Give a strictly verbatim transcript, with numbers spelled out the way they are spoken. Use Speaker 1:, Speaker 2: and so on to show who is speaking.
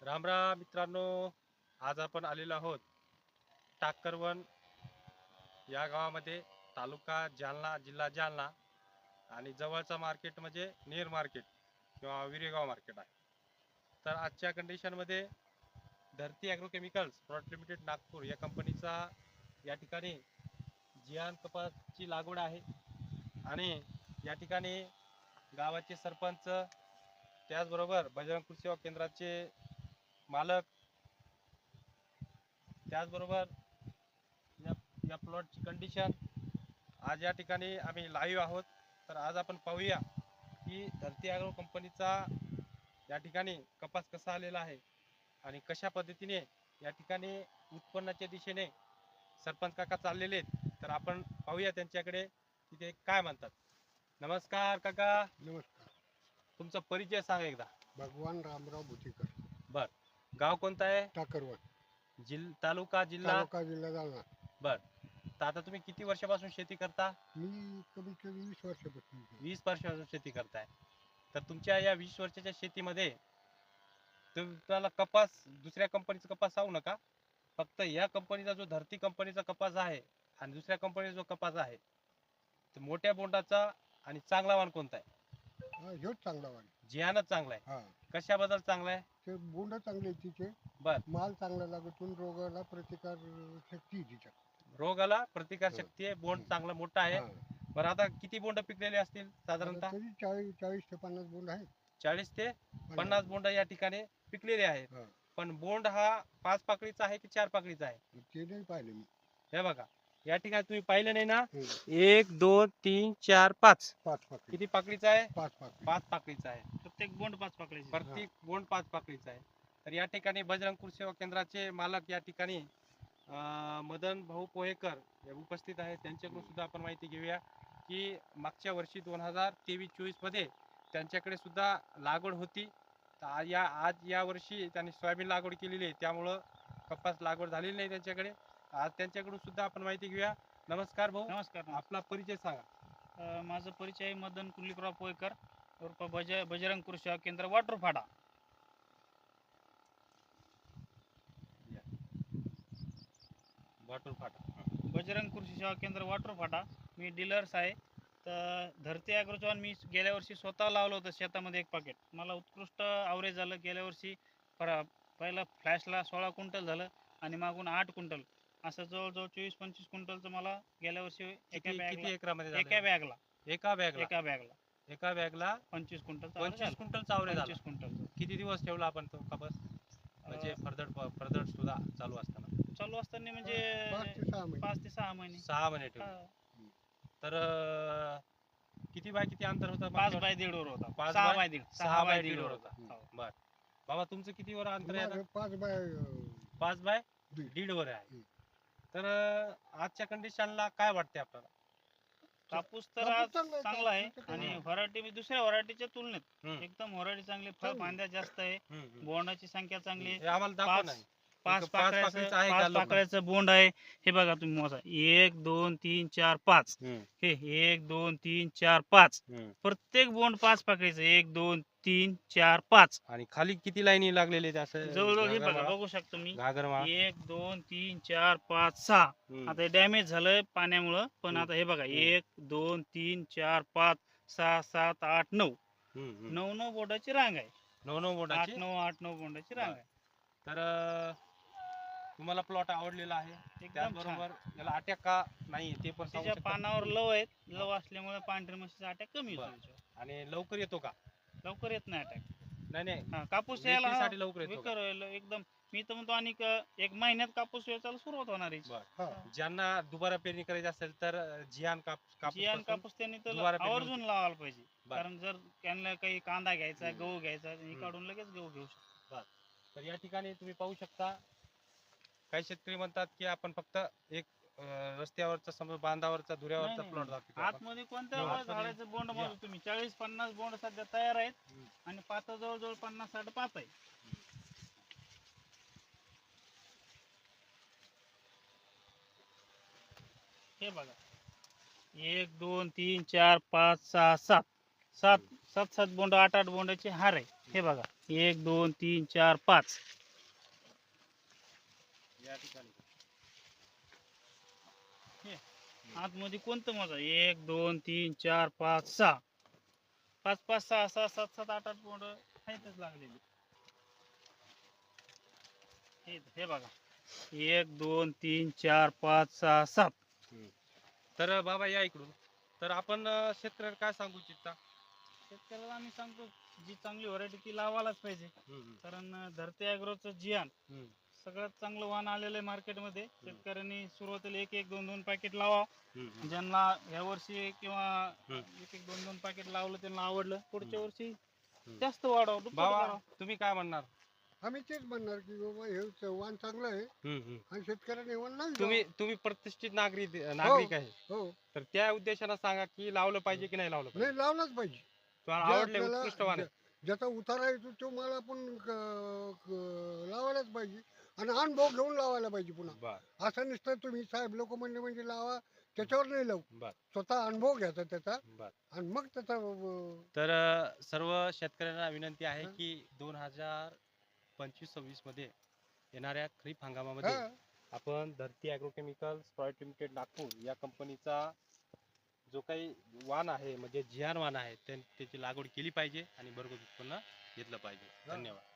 Speaker 1: राम राम मित्रांनो, आज आपण आलेलो आहोत टाकरवन या गावामध्ये, तालुका जालना, जिल्हा जालना आणि जवळचा मार्केट म्हणजे नेर मार्केट किंवा विरेगाव मार्केट आहे. तर आजच्या कंडिशनमध्ये धरती ॲग्रोकेमिकल्स प्रॉडक्ट लिमिटेड नागपूर या कंपनीचा या ठिकाणी जियान कपासची लागवड आहे आणि या ठिकाणी गावाचे सरपंच, त्याचबरोबर बजरंग कृषी सेवा केंद्राचे मालक, त्याचबरोबर या या प्लॉटची कंडिशन आज या ठिकाणी आम्ही लाईव्ह आहोत. तर आज आपण पाहूया की धरती ॲग्रो कंपनीचा या ठिकाणी कपास कसा आलेला आहे आणि कशा पद्धतीने या ठिकाणी उत्पन्नाच्या दिशेने सरपंच काका चाललेले आहेत. तर आपण पाहूया त्यांच्याकडे की ते काय म्हणतात. नमस्कार काका.
Speaker 2: नमस्कार.
Speaker 1: तुमचा परिचय सांगा एकदा.
Speaker 2: भगवान रामराव भुतीकर,
Speaker 1: बर, गाव कोणतं आहे?
Speaker 2: टाकरवन,
Speaker 1: जिल तालुका जिल्हा.
Speaker 2: तालुका जिल्हा जालना.
Speaker 1: बर, तर आता तुम्ही किती वर्षापासून शेती करता?
Speaker 2: मी कमीत कमी वीस वर्षापासून इथे.
Speaker 1: वीस वर्षापासून शेती करताय. तर तुमच्या या वीस वर्षाच्या शेतीमध्ये तुम्हाला कपास, दुसऱ्या कंपनीचा कपास सांगू नका, फक्त या कंपनीचा जो धरती कंपनीचा कपास आहे आणि दुसऱ्या कंपनीचा जो कपास आहे, तर मोठ्या बोंडाचा आणि चांगला वाण कोणता आहे?
Speaker 2: हा, ह्योच चांगला वाण.
Speaker 1: जियानच चांगला आहे.
Speaker 2: हा,
Speaker 1: कशाबद्दल चांगला आहे?
Speaker 2: ते बोंड चांगले आहेत तिचे.
Speaker 1: बर,
Speaker 2: माल चांगला लागतून रोगाला प्रतिकार शक्ती आहे तिच्या.
Speaker 1: रोगाला प्रतिकार शक्ती आहे, बोंड चांगला मोठा आहे.
Speaker 2: हा.
Speaker 1: बरं, आता किती बोंड पिकलेले असतील साधारणतः?
Speaker 2: आता तरी चाळीस चाळीस ते पन्नास बोंड आहेत.
Speaker 1: चाळीस ते पन्नास बोंड या ठिकाणी पिकलेले आहेत.
Speaker 2: हा.
Speaker 1: पण बोंड हा पाच पाकळीचा आहे की चार पाकळीचा आहे?
Speaker 2: ते नाही पाहिलं मी.
Speaker 1: हे बघा, या ठिकाणी तुम्ही पाहिलं नाही ना,
Speaker 2: हम्म.
Speaker 1: एक दोन तीन चार पाच,
Speaker 2: पाच पाकळी.
Speaker 1: किती पाकळीचा आहे?
Speaker 2: पाच पाकळी.
Speaker 1: पाच पाकळीचा आहे.
Speaker 3: प्रत्येक बोंड पाच पाकळीचे.
Speaker 1: प्रत्येक बोंड पाच पाकळीचा आहे. तर या ठिकाणी बजरंग कृषी सेवा केंद्राचे मालक या ठिकाणी अं, मदन भाऊ पोहेकर हे उपस्थित आहेत. त्यांच्याकडून सुद्धा आपण माहिती घेऊया की मागच्या वर्षी दोन हजार तेवीस चोवीस मध्ये त्यांच्याकडे सुद्धा लागवड होती. तर आ- या आज या वर्षी त्यांनी सोयाबीन लागवड केलेली आहे, त्यामुळं कपास लागवड झालेली नाही त्यांच्याकडे. आज त्यांच्याकडून सुद्धा आपण माहिती घेऊया. नमस्कार भाऊ,
Speaker 3: नमस्कार.
Speaker 1: आपला परिचय सांगा.
Speaker 3: अं, माझं परिचय आहे मदन कुलदीपराव पोयकर उर्फ बज बजरंग कृषी सेवा केंद्र वाटरफाडा.
Speaker 1: वाटून फाटा.
Speaker 3: बजरंग कृषी सेवा केंद्र वाटरफाटा. मी डीलर्स आहे. तर धरती ॲग्रोचं मी गेल्या वर्षी स्वतः लावलं होतं शेतामध्ये एक पाकेट. मला उत्कृष्ट आवरेज झालं गेल्या वर्षी. पर पहिला फ्लॅशला सोळा क्विंटल झालं आणि मागून आठ क्विंटल, असं जवळजवळ चोवीस पंचवीस क्विंटलचं मला गेल्या वर्षी एका
Speaker 1: किती किती
Speaker 3: बॅगला
Speaker 1: एकरामध्ये
Speaker 3: एका
Speaker 1: झालं?
Speaker 3: बॅगला
Speaker 1: एका बॅगला
Speaker 3: एका बॅगला
Speaker 1: एका बॅगला
Speaker 3: पंचवीस क्विंटल
Speaker 1: पंचवीस क्विंटल चावरे झाला.
Speaker 3: पंचवीस क्विंटल
Speaker 1: किती दिवस ठेवला आपण तो कपास, म्हणजे फरदड फरदड सुद्धा चालू असताना?
Speaker 3: चालू असताना म्हणजे
Speaker 2: पाच ते सहा महिने.
Speaker 3: पाच ते सहा महिने.
Speaker 1: सहा महिने ठेवले.
Speaker 3: हा.
Speaker 1: तर अं, किती बाय किती अंतर होतं?
Speaker 3: पाच
Speaker 1: मागच्या
Speaker 3: बाय दीड वर होता.
Speaker 1: पाच
Speaker 3: सहा
Speaker 1: बाय-
Speaker 3: बाय दीड
Speaker 1: सहा बाय
Speaker 3: दीड
Speaker 1: दीड
Speaker 3: वर
Speaker 1: वर
Speaker 3: होता.
Speaker 1: होता.
Speaker 3: हो.
Speaker 1: बर, बाबा तुमचं किती वर अंतर आहे आता?
Speaker 2: माझं पाच बाय अं,
Speaker 1: पाच बाय
Speaker 2: दीड.
Speaker 1: दीड वर आहे.
Speaker 2: हम्म.
Speaker 1: तर अं, आजच्या कंडिशनला काय वाटते आपल्याला?
Speaker 3: कापूस तर
Speaker 2: कापूस
Speaker 3: आज
Speaker 2: चांगला आहे,
Speaker 3: चांगला आहे
Speaker 2: कापूस
Speaker 3: आणि
Speaker 2: चांगला
Speaker 3: व्हरायटी दुसऱ्या व्हरायटीच्या तुलनेत
Speaker 1: हम्म,
Speaker 3: एकदम व्हरायटी चांगली. फळ
Speaker 2: चांगली.
Speaker 3: फांद्या जास्त आहे.
Speaker 1: हम्म, हम्म.
Speaker 3: बोंडाची संख्या चांगली आहे.
Speaker 1: हे आम्हाला दाखवा
Speaker 3: पाच-
Speaker 1: नाही.
Speaker 3: पाच
Speaker 1: एक पाच
Speaker 3: पाकळ्याचं
Speaker 1: पाकळीचं आहे का
Speaker 3: पाच
Speaker 1: लोक?
Speaker 3: पाकळ्याचं बोंड आहे. हे बघा तुम्ही मोजा, एक दोन तीन चार पाच.
Speaker 1: हम्म,
Speaker 3: हे एक दोन तीन चार पाच.
Speaker 1: हम्म.
Speaker 3: प्रत्येक बोंड पाच पाकळीचं. एक दोन तीन चार पाच.
Speaker 1: आणि खाली किती लाईनी लागलेले आहेत असं?
Speaker 3: जवळजवळ हे
Speaker 1: घागरमाळा?
Speaker 3: बघा, बघू शकतो मी.
Speaker 1: घागरमाळा.
Speaker 3: एक दोन तीन चार पाच सहा.
Speaker 1: हम्म.
Speaker 3: आता डॅमेज झालंय पाण्यामुळं, पण
Speaker 1: हम्म.
Speaker 3: आता हे बघा,
Speaker 1: हम्म.
Speaker 3: एक दोन तीन चार पाच सहा सात आठ नऊ.
Speaker 1: हम्म, हम्म.
Speaker 3: नऊ नऊ बोंडाची रांग आहे.
Speaker 1: नऊ नऊ
Speaker 3: आठ
Speaker 1: बोटाची.
Speaker 3: नऊ आठ नऊ बोंडाची रांग
Speaker 1: बरं.
Speaker 3: आहे.
Speaker 1: तर अं, तुम्हाला प्लॉट आवडलेला आहे,
Speaker 3: एकदम
Speaker 1: त्याचबरोबर
Speaker 3: छान.
Speaker 1: याला अटॅक का नाही ते पण सांगू
Speaker 3: त्याच्या
Speaker 1: शकता?
Speaker 3: पानावर लव आहेत. लव असल्यामुळे पांढरी म्हशीचा अटॅक कमी
Speaker 1: बरं.
Speaker 3: होतो त्याच्यावर.
Speaker 1: आणि लवकर येतो का?
Speaker 3: लवकर येत नाही अटॅक.
Speaker 1: नाही नाही,
Speaker 3: हा, कापूस यायला हा,
Speaker 1: वेचणीसाठी लवकर येतो का?
Speaker 3: विकर व्हायला एकदम. मी तर म्हणतो आणि एक महिन्यात कापूस वेचायला सुरुवात होणार आहे.
Speaker 1: बरं.
Speaker 2: हा.
Speaker 1: ज्यांना दुबारा पेरणी करायची असेल तर अं, जियान कापूस कापूस
Speaker 3: जियान
Speaker 1: पासून-
Speaker 3: कापूस त्यांनी तर
Speaker 1: दुबारा पेरणी
Speaker 3: आवर्जून लावायला पाहिजे.
Speaker 1: बरं.
Speaker 3: कारण जर त्यांना काही कांदा घ्यायचा,
Speaker 1: हम्म.
Speaker 3: गहू घ्यायचा, हे
Speaker 1: हम्म.
Speaker 3: काढून लगेच गहू घेऊ शकतो.
Speaker 1: तर या ठिकाणी तुम्ही पाहू शकता, काही शेतकरी म्हणतात की आपण फक्त एक अं, रस्त्यावरचा समजा बांधावरचा धुऱ्यावरचा
Speaker 3: नाही,
Speaker 1: प्लॉट
Speaker 3: नाही.
Speaker 1: दाखवतो आपण.
Speaker 3: आतमध्ये कोणत्या
Speaker 1: हो,
Speaker 3: पण
Speaker 1: आतमध्ये
Speaker 3: झाडाचं बोंड
Speaker 1: या.
Speaker 3: मोजू तुम्ही. चाळीस पन्नास बोंड सध्या तयार आहेत
Speaker 1: हम्म.
Speaker 3: आणि पाता जवळजवळ पन्नास साठ पात आहे. हे बघा, एक दोन तीन चार पाच सहा सात सात सात सात बोंड आठ आठ बोंडाचे हार आहे. हे बघा, एक दोन तीन चार पाच.
Speaker 1: या ठिकाणी
Speaker 3: आतमध्ये कोणतं मोजा? एक दोन तीन चार पाच सहा. पाच पाच सहा सहा सात सात आठ आठ बोंड आहेतच लागलेली. हे हे बघा, एक दोन तीन चार पाच सहा सात.
Speaker 1: तर बाबा या इकडून. तर आपण अं, शेतकऱ्याला काय सांगू इच्छिता?
Speaker 3: शेतकऱ्याला आम्ही सांगतो, जी चांगली व्हरायटी ती लावायलाच पाहिजे. कारण अं, धरती ॲग्रोचं जियान सगळ्यात चांगलं वाण आलेलं आहे मार्केटमध्ये. शेतकऱ्यांनी सुरुवातीला एक एक दोन दोन पॅकेट लावा. ज्यांना ह्या वर्षी किंवा एक एक दोन दोन पॅकेट लावलं त्यांना आवडलं, पुढच्या वर्षी जास्त वाढवा, दुप्पट
Speaker 1: बाबा
Speaker 3: करा.
Speaker 1: तुम्ही काय म्हणणार?
Speaker 2: आम्ही तेच म्हणणार की बाबा हे च- वाण चांगलं आहे आणि शेतकऱ्याने वाण नाही
Speaker 1: तुम्ही तुम्ही प्रतिष्ठित नागरिक नागरिक आहे,
Speaker 2: हो
Speaker 1: तर त्या उद्देशानं सांगा की लावलं पाहिजे की नाही लावलं पाहिजे?
Speaker 2: नाही लावलाच पाहिजे.
Speaker 1: तुम्हाला
Speaker 2: जे
Speaker 1: आवडले,
Speaker 2: आपल्याला-
Speaker 1: उत्कृष्ट वाण आहे.
Speaker 2: ज्या- ज्याचा उतारा येतो तो मला आपण क- क- लावायलाच पाहिजे आणि अनुभव घेऊन लावायला पाहिजे. पुन्हा
Speaker 1: बर
Speaker 2: असं नुसतं तुम्ही साहेब लोक म्हणले म्हणजे लावा त्याच्यावर नाही लावू.
Speaker 1: बर
Speaker 2: स्वतः अनुभव घ्यायचा त्याचा
Speaker 1: बर
Speaker 2: आणि मग त्याचा अं,
Speaker 1: तर अ, सर्व शेतकऱ्यांना विनंती आहे
Speaker 2: हा.
Speaker 1: की दोन हजार पंचवीस सव्वीस मध्ये येणाऱ्या खरीप हंगामामध्ये
Speaker 2: हा
Speaker 1: आपण धरती ॲग्रोकेमिकल्स प्रायव्हेट लिमिटेड नागपूर या कंपनीचा जो काही वाण आहे म्हणजे जियान वाण आहे त्या- त्याची लागवड केली पाहिजे आणि भरघोस उत्पन्न घेतलं पाहिजे.
Speaker 2: हा.
Speaker 1: धन्यवाद.